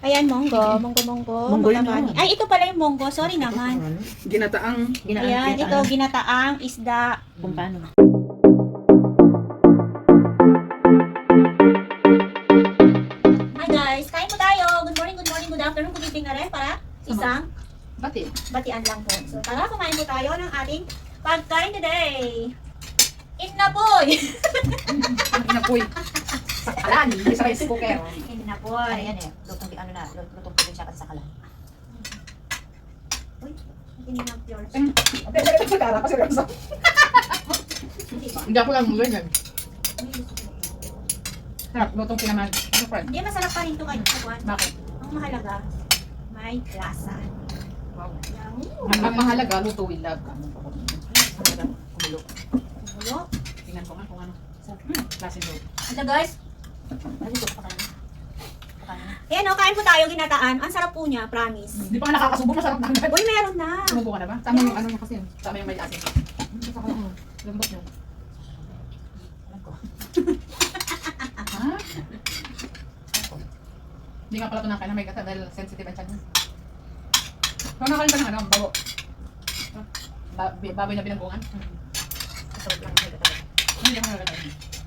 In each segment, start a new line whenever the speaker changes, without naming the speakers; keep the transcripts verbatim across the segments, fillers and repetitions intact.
Ayan, monggo. Monggo, monggo.
Monggo yun,
Matabani.
oh.
Ay, ito pala yung monggo. Sorry naman.
Ginataang.
Ayan, ito, ginataang isda.
Kung paano.
Hi guys, kain po tayo. Good morning, good morning, good afternoon, good evening na rin para isang
Bati.
batian lang po. So, tara, kumain po tayo ng ating pagkain today. Inapoy!
Inapoy. Sakalan. Hindi sa rice cooker.
Inapoy.
Ayan eh. Lutong, ano na, lutong probinsya kasi sa kalan.
Uy, ininang yours.
Hindi, hindi ko kala kasi seryoso.
Hindi ba?
Hindi ako lang mula yan. Sarap, lutong kinaman. Ano friend?
Hindi, masarap pa rin ito kayo. Juan.
Bakit?
Ang mahalaga, may lasa.
Wow.
Yan.
Ang mahalaga, luto with love. Ang mahalaga, kumulo.
Kumulo.
Tingnan ko nga kung ano. Hmm, klase luto.
Ito guys,
Ano ito? Pakain. Pakain.
ayan o, kain po tayo ginataan. Ang sarap po niya, promise.
Hindi pa nga nakakasubo, masarap na agad.
Uy, meron na.
Sumubo ka na ba? Tama yung ano mo kasi. Tama yung may asin. Lambot yun.
Alam ko.
Ha? Hindi nga pala ito nakain na may gata dahil sensitive ang tiyan mo. Kung nakain pa ng ano, babo. Ba baboy na binanggungan.
Masarap lang yung gata.
Hindi ako nagagata.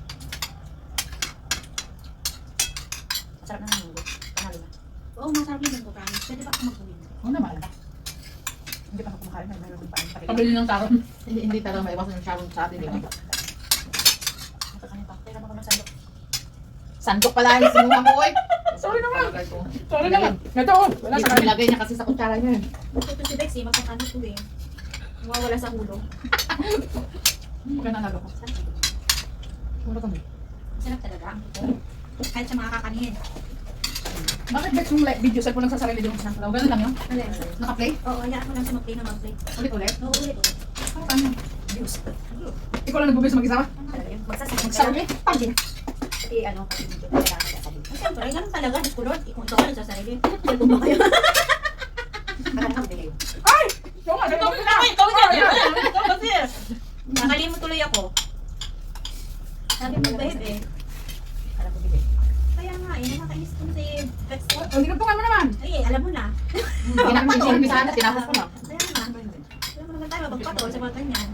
Masarap na ng munggo. Panalo na.
Oo, masarap yun po, promise. Pwede ba ako magbuhin?
Oo naman. Hindi pa ako kumakain na mayroon pa. Pabili ng taron.
Hindi, hindi talaga maiwasan yung sharong sa atin, di ba? Nakakain pa. Pero ako ng sandok. Sandok pala yung sinuha mo, oy.
Sorry naman.
Palagay ko.
Sorry naman. Ito, oh. Wala
Hindi
sa
ko
kanin.
nilagay niya kasi sa kutsara niya.
Ito si Bexy, magkakano po eh. Mawawala sa hulog.
Okay na nago ko. Wala kami.
Masarap talaga ang ito. Kahit sa mga kakanin.
Bakit bet yung like, video cellphone lang sa sarili yung isang Ganun lang yun?
Alin?
Naka-play?
Oo, hayaan mo lang siya mag-play na mag-play.
Ulit-ulit?
Oo, ulit ulit.
Paano?
Views.
Ikaw lang nag-bubis mag-isa ba?
Talaga yun. Magsasakit.
Mag-sarili?
Pagin. Eh, ano, kasi video talaga ako sasabihin.
Ay, siyempre, ganun talaga. Diyos ko Lord, kung ito ka nagsasarili. Kaya ba kayo?
Parang ako bigay.
Ay! Ikaw nga, ikaw nga! Ikaw nga! Ikaw kasi!
Nakalimot tuloy ako. Sabi mo, babe eh.
Alam ko bigay.
Kaya nga eh, nakakainis ko si Bexy.
Oh, hindi ka mo naman!
Ay, eh, alam mo na.
Ginamit sana, tinapos ko na.
Kaya nga. Alam mo naman tayo, mapagpatol sa mga ganyan.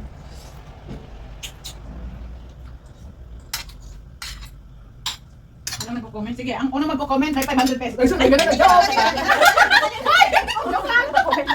Ano nagpo-comment? Sige, ang unang magpo-comment ay five hundred pesos. Ay, sorry, ganun na. Joke! Joke lang!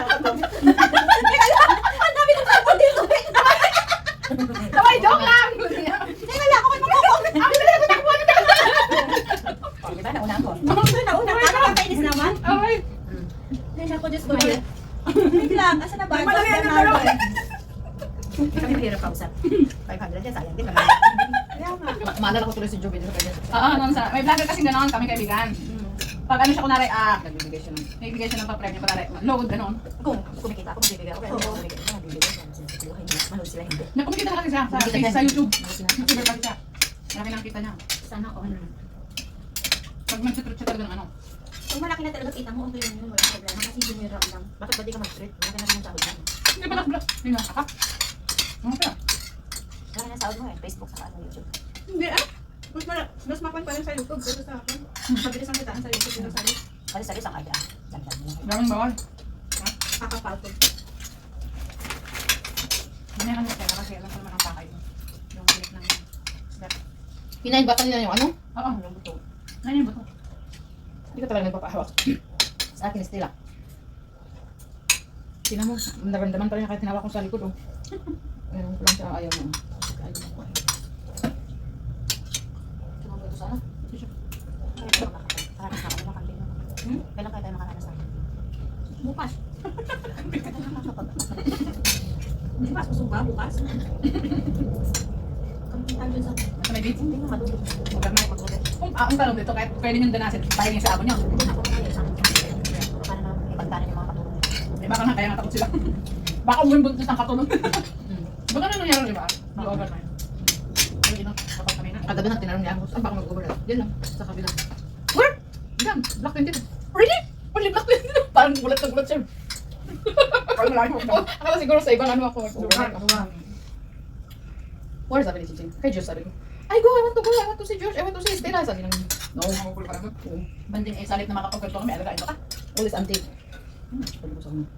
Ang dami ng sabon dito.
Sabay, joke lang!
Teka lang, ako may magpo-comment.
Ang bilis ko takbo niyo!
Oh, di ba? Nauna ako.
Ito na, una, nakakainis naman.
Okay.
Ay, naku, Diyos ko Lord. Wait lang, asa na ba?
May malaki
Diyos
ang
na
dalawa.
natin.
Kami mahirap kausap. five hundred yan, sayang din naman.
Kaya nga.
Ma- Maalala ko tuloy si Joby dito kanya.
Oo, noon sa, may vlogger kasing ganoon kami kaibigan. Pag ano siya kunwari, ah,
Nagbibigay siya ng...
nagbibigay siya ng pa-premyo, kunwari, load, ganoon.
Kung kumikita ako, magbibigay ako. Kaya hindi ako magbibigay. Kaya magbibigay siya. Sinusubuhan niya. Manood sila hindi.
Nakumikita na kasi siya sa,
Kumikita
sa,
siya.
sa YouTube.
Manood sila.
YouTuber pa siya. Malaki lang kita niya.
Sana all.
Pag mag-trip siya talaga ng ano.
Kung malaki na talaga kita mo, okay lang yun, walang problema. Kasi junior round lang.
Bakit ba di ka mag-treat? Malaki na rin ang sahod mo.
Hindi pa nag-vlog. Hindi nga, akap. Ano ka?
Malaki na ang sahod mo eh. Facebook sa ano, YouTube.
Hindi ah. Mas, mala- mas mapan pa rin sa YouTube. Pero sa akin, mabilis ang kitaan sa YouTube. Pero sa akin,
Kasi sa isang idea. Dagdag mo.
Daming bawal.
kakapal ko.
Hindi na kaya kasi alam ko naman ang pakay mo. Yung clip ng snap.
Pinaibatan nila yung ano?
Oo,
Yung buto.
ano yung buto? Hindi ka talaga nagpapahawak.
Sa akin, stila.
Tingnan mo, naramdaman pa rin kahit tinawak ko sa likod. Oh.
Meron ko lang siya ayaw mo. Ayaw mo. Tumawag ito sana? Kaya tayo makakaranas na kami makambing.
Hmm?
Kailan kaya tayo makaranas na?
Bukas. Di ba? Susuba bukas. Kamutin tayo dun sa...
Sa may beats?
Hindi mo matulog.
Huwag na mag-ulit. Kung ah, ang tanong dito, kahit pwede niyong danasin, tayo niya sa abon niyo.
Hindi na ako kaya sa akin. Para na ipagdanan yung mga katulong.
Eh, baka na kaya natakot sila. Baka umuwi buntis ng katulong.
Hmm.
Baka na nangyari, di ba? Mag-overnight. Pero yun, kapag kami na.
Kagabi na tinanong niya ako, saan ba ako mag-overnight? Yan lang, sa kabila.
Where? Yan, Black twenty. Really? Only Black twenty? Parang gulat na gulat siya. Parang malayo mo. Oh, akala siguro sa ibang ano ako mag-overnight. Where sabi ni Chiching? Kay Josh sabi ko. Ay, go, I want to go, I want to see Josh, I want to see Stella. Sabi ng, No, makukul ka na doon. Banding eh, salit na makapagkagto kami, alagain mo ka.
Ulit antik. Hmm, pagbusa mo.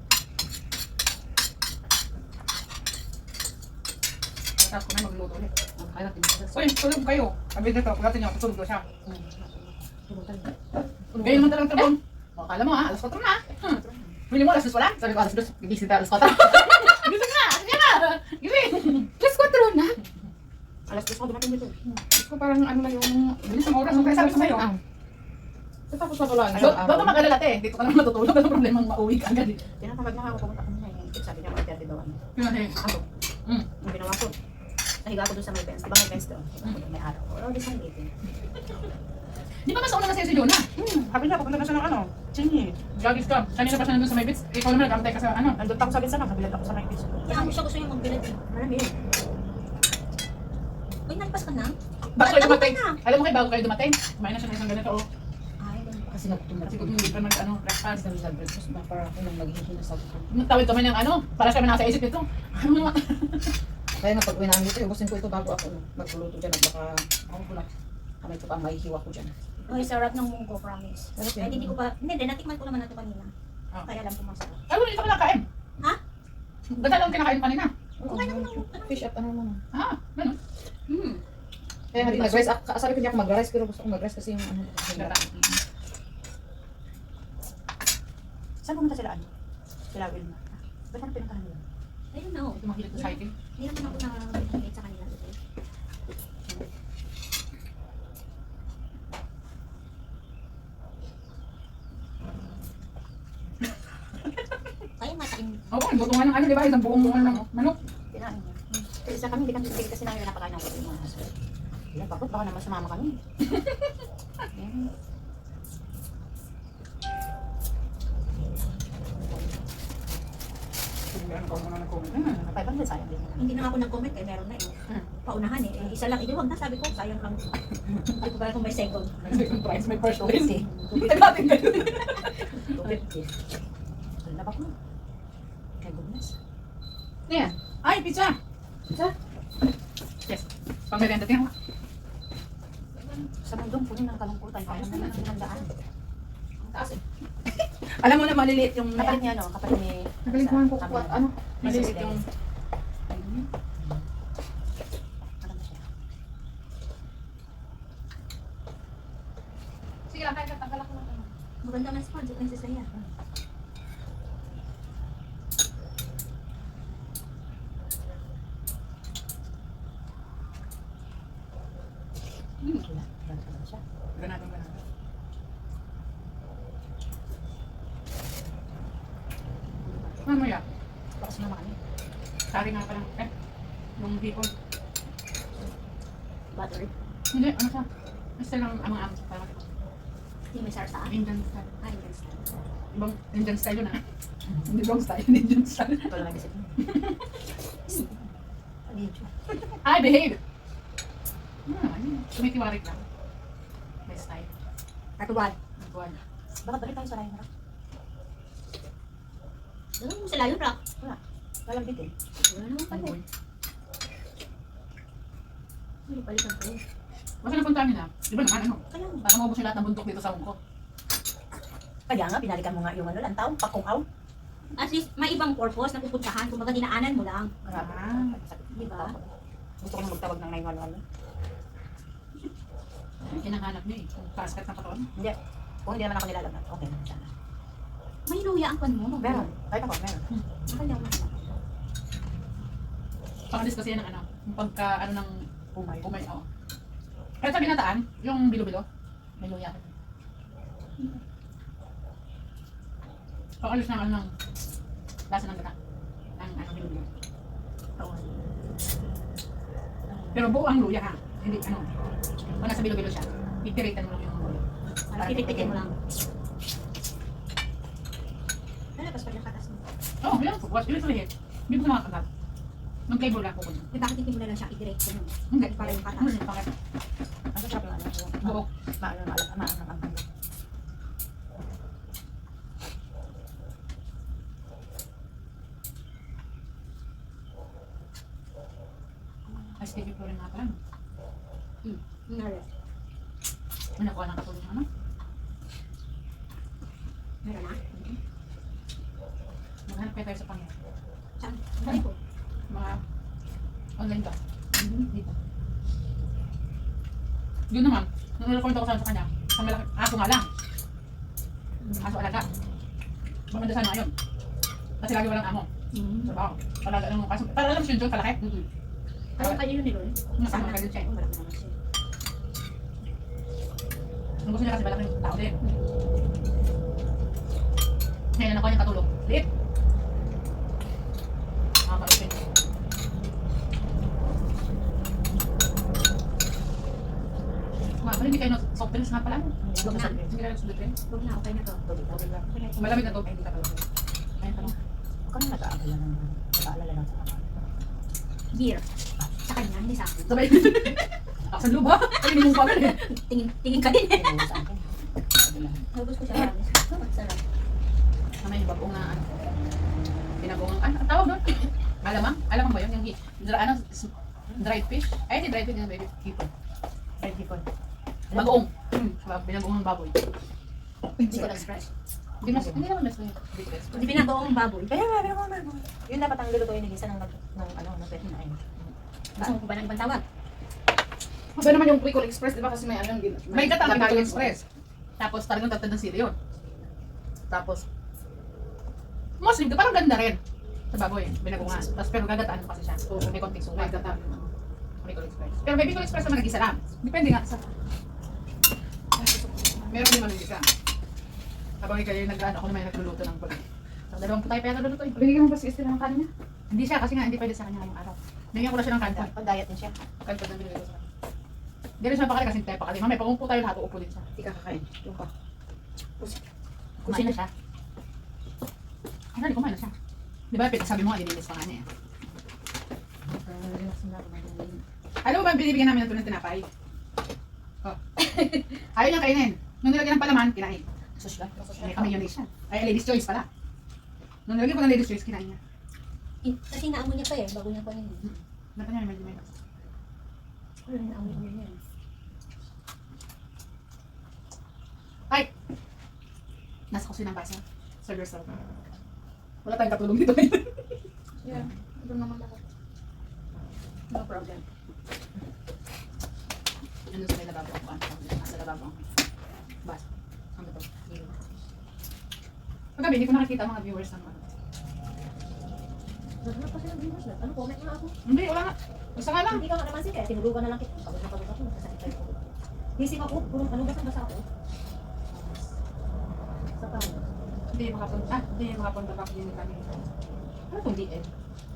Tapos ko na magluto ulit.
Ang kaya natin.
Uy, tulog kayo. Sabi dito, pagkatin niyo, tulog ko siya.
Tulutan.
Gaya naman talagang trabon. O, kala mo ah, alas kwatro na. Hmm. Bili mo, alas dos wala? Sabi ko, alas dos, gigising tayo alas kwatro. Gising na, sige na. Gising.
Plus kwatro na.
Alas dos ako dumating dito. Gusto ko parang ano na yung, bilis ang oras. Ang kaya sabi ko sa'yo.
Ah. Tapos na pala.
So, ba't ka mag-alala te? Dito ka naman matutulog. Ano problemang mauwi ka agad eh.
Tinatawag na ako, pumunta ko na eh. Sabi niya, mag thirty daw ano.
Yun eh.
Ako,
Hmm.
ang ginawa ko, nahiga ako doon sa may fence. Di ba may fence doon? May araw. O, di sa meeting.
Di ba mas una na sa'yo si Jonah?
Hmm, sabi niya, pupunta na siya ng ano, Chingy.
Gagis ka. Kanina pa siya nandun sa may bits. Ikaw naman nag-antay ka sa ano.
Nandun pa ako sa Binsanang, nabilad ako sa may beach.
Kaya mo siya gusto yung magbilad eh.
Marami yun.
Uy, nalipas ka na?
Bago kayo
Ano
dumating.
ka na?
Alam mo kayo, bago kayo dumating. Kumain na siya ng isang ganito. Oh.
Ay, ganun pa.
Kasi nagutom
Kasi kung hindi pa mag ano, breakfast.
Kasi sa breakfast ba para ako nang maghihingi na sa gutom.
Tawid kami ng ano, para siya nasa isip nito. Ano naman?
Kaya nga pag uwi namin dito, ubusin ko ito bago ako magluluto dyan at baka ako ko lang. Kamay ko pa ang mahihiwa ko dyan.
Uy, sarap ng munggo, promise.
Sarap
Ay,
yan.
hindi ko pa, hindi, din, natikman ko naman na ito kanina.
Ah.
Kaya alam ko masarap.
Ay, wala ito kinakain.
Ha?
Ganda lang kinakain pa nila.
Oo, fish at ano naman.
Ah, ano?
Hmm.
Kaya nga din nag-rice. Ah, sabi ko hindi ako mag-rice pero gusto ko mag-rice kasi yung ano.
Ganda.
Saan pumunta sila ano? Sila Wilma. Ba't ano pinuntahan nila?
I don't know.
Ito mahilig sa hiking.
Hindi naman ako nakakita sa kanila. Okay? Kaya matain.
Oo, luto nga ng ano, di ba? Isang buong ano ng manok.
Kinain niya. Kasi isa kami, hindi kami hindi kasi namin napakain ng kapatid mga husband. Kaya bakit baka naman sumama kami. Ayan.
Sige, ano ka muna nag-comment na.
five hundred sayang din naman.
Hindi na ako nag-comment eh, meron na eh.
Hmm.
Paunahan eh. Eh, isa lang, hindi wag na sabi ko, sayang lang. Hindi ko pala kung may second.
May second prize, may first
two
place.
fifty.
Tayo natin kayo.
two fifty. Ano na ba ko? My goodness.
Ano yan? Ay, pizza!
Pizza?
Yes. Pang merienda, tingnan mo.
Sa mundong puno ng kalungkutan, kaya naman ang handaan.
Ang taas eh.
Alam mo na maliliit yung kapalit niya, no? Kapalit ni...
Nagaling ko ko at ano.
Malilit yung... Sige lang, kaya tanggal ako lang.
Maganda man sponsor ng sisaya.
Hmm.
Wala, wala ka lang siya.
Ganado, ganado. Ano mo yan?
Baka sumama kami.
Sari nga pa lang. Eh, yung bacon.
Butter.
Hindi, ano siya? Basta lang ang mga amos. Parang
Hindi may sarsa.
Indian style.
Ay, hindi style.
Ibang Indian style yun ah. Hindi wrong style, Indian style.
Ito lang nag-isip mo. Video.
Ay, behave! Hmm, ano yun? Tumitiwarik lang. May style.
Katuwad.
Buwan.
Bakit balik tayo sa Ryan Rock?
Alam mo sila yun, Rock.
Walang bitin.
Wala naman pala.
Buwan.
Hindi palitan ko.
Basta napunta namin ah. Di ba naman ano?
Kaya mo.
Para maubos yung lahat ng bundok dito sa Hong Kong.
Kaya nga, binalikan mo nga yung ano, lantaw, pakungaw.
At least, may ibang purpose na pupuntahan. Kung baga dinaanan mo lang.
Grabe.
Ah.
Di ba? Gusto ko na magtawag ng nine one one.
Yung kinakahanap niya eh. Kung kaskat na katawan.
Hindi. Kung hindi naman ako nilalagnat, okay naman sana.
May luya ang pan mo.
Meron. Kahit ako, meron.
Akala mo.
Pangalis kasi yan ng ano. Yung pagka ano ng
Umay.
umay. Oo. Kahit sa binataan, yung bilo-bilo. May luya. Pangalis ng ano ng lasa ng gata. Ang ano bilo-bilo.
Oo.
Pero buo ang luya ha. Hindi ano. Kung nasa bilo-bilo siya, itiritan mo lang yung luya.
Parang titik-tikin mo lang. Lalabas pa yung katas mo.
Oo, oh, yun. Bukas, yun sa liit. Hindi ko sa mga kagat. Nung flavor lang ko ko.
Eh, bakit hindi mo na lang siya i-direct mo?
Hindi.
Para yung katas.
Hmm, bakit?
Ang sarap yung ano. yung-
Buo.
Maano, maano, maano, maano.
Ay, sige po rin nga pala.
Hmm. Nara.
Ano nakuha ng katulong ano?
Meron na?
Maghanap kayo tayo sa pangyan.
Saan? Saan po?
Mga online ka. Dito. Yun naman, nung nire-comment ako sa kanya, sa malaki, aso nga lang. Aso alaga. Maganda sana ngayon. Kasi lagi walang amo.
Mm.
Sa baho. Alaga lang ng kaso. Para alam siya doon, kalaki. Mm-hmm.
Ano kayo yun ni Loy?
Masama ka din siya.
Oh, malaki naman siya.
Ang gusto niya kasi malaking tao din. Ngayon nakuha niya katulog. Liit. Nakaka-ipin. Nga pala, hindi kayo na soft drinks nga pala.
Huwag na.
Hindi kayo soft drinks.
Huwag na, okay na to.
Malamig na to. Ay, hindi ka pala. Ayun pala.
Huwag ka na nag-aalala ng nag-aalala lang sa kapatid.
Beer. Sa kanya, hindi sa akin.
Sabay. Aksan loob ha? Ay, hindi mo pa eh.
Tingin, tingin ka din eh.
Ano sa akin? Sabi lang.
Nabos ko siya. Oh, sarap.
Mamaya yung bagong na ano. Pinagong, ano, ang tawag doon? Alamang? Alamang ba yun? Yung gi- dra, ano, s- dried fish? Ay, hindi dried fish, yung baby. Hipon. Dried hipon. Bagoong. Hmm. Binagoong ng baboy.
Hindi ko na-express.
Hindi mas, hindi naman mas hindi ko express.
Hindi pinagoong baboy.
Kaya nga, pero mga baboy. Yun dapat ang lulutuin ng isa ng, ng ano, ng pwede na ayun.
Gusto mo pa ba ng ibang tawag?
Iba naman yung Bicol Express, di ba? Kasi may ano yung gin-
May gata ang
gata
Bicol
yung-
Express. Tapos talagang tatad ng sili yun. Tapos, Muslim, parang ganda rin. Sa baboy, binagungan. Tapos pero gagataan mo kasi siya. So, may konting
May
suka.
gata.
Bicol Express. Pero may Bicol Express naman nag-isa lang. Depende nga sa...
Meron din man yung isa.
Habang ikaw yung nag-ano, ako naman yung nagluluto ng bulan. So, dalawang putay pa yung nagluluto eh.
Binigyan mo ba si Esther ng kanin niya?
Hindi siya kasi nga hindi pwede sa kanya ngayong araw. Bigyan ko na siya ng kanta.
Pag-diet din siya.
Kanta na binigay ko sa kanya. Hindi rin siya mapakali kasi tayo pakali. Mamaya pag umupo tayo lahat, uupo din siya.
Hindi ka kakain. Yung pa.
Kumain na siya. Ano, hindi kumain na siya. Di ba, sabi mo nga, ilinis pa nga niya. Alam mo ba, binibigyan namin ng tunang tinapay? Oh. Ayaw niyang kainin. Nung nilagyan ng palaman, kinain.
Social.
May kami yun siya. Ay, ladies choice pala. Nung nilagyan ko ng ladies choice, kinain niya.
In- Kasi naamoy niya pa eh, bago niya pa yun.
Nata niya, medyo medyo.
Wala na naamoy niya yan.
Ay! Nasa kusina ng basa. Serve yourself. Wala tayong katulong dito ngayon.
Yeah. Ito naman ako.
No problem. Ano sa may lababo ako? Ano sa lababo ako? Bas. Ano to? Pagkabi, hindi ko nakikita ang mga viewers ng ano.
Naghanap pa siya ng viewers na. Ano, comment nga ako.
Hindi, wala nga. Basta nga lang.
Hindi ka nga naman siya, tinulugan na lang kita. Pagod na pagod ako, nagkasakit tayo ko. Gising ako, purong ano basang basa ako. Sa tao.
Hindi makapunta. Ah, hindi makapunta pa din kami. Ano itong D M?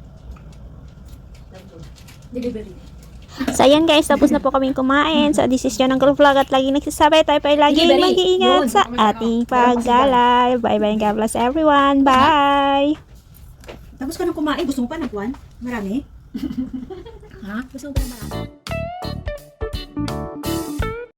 Delivery.
So ayan guys, tapos na po kaming kumain. So this is John ng Girl Vlog at laging nagsasabi tayo pa ay laging
Delivery.
mag-iingat
Yun.
sa ating paggalay. Bye bye and God bless everyone. Bye!
Tapos ka nang kumain, gusto mo pa ng kuwan? Marami? Ha? Gusto mo pa ng marami?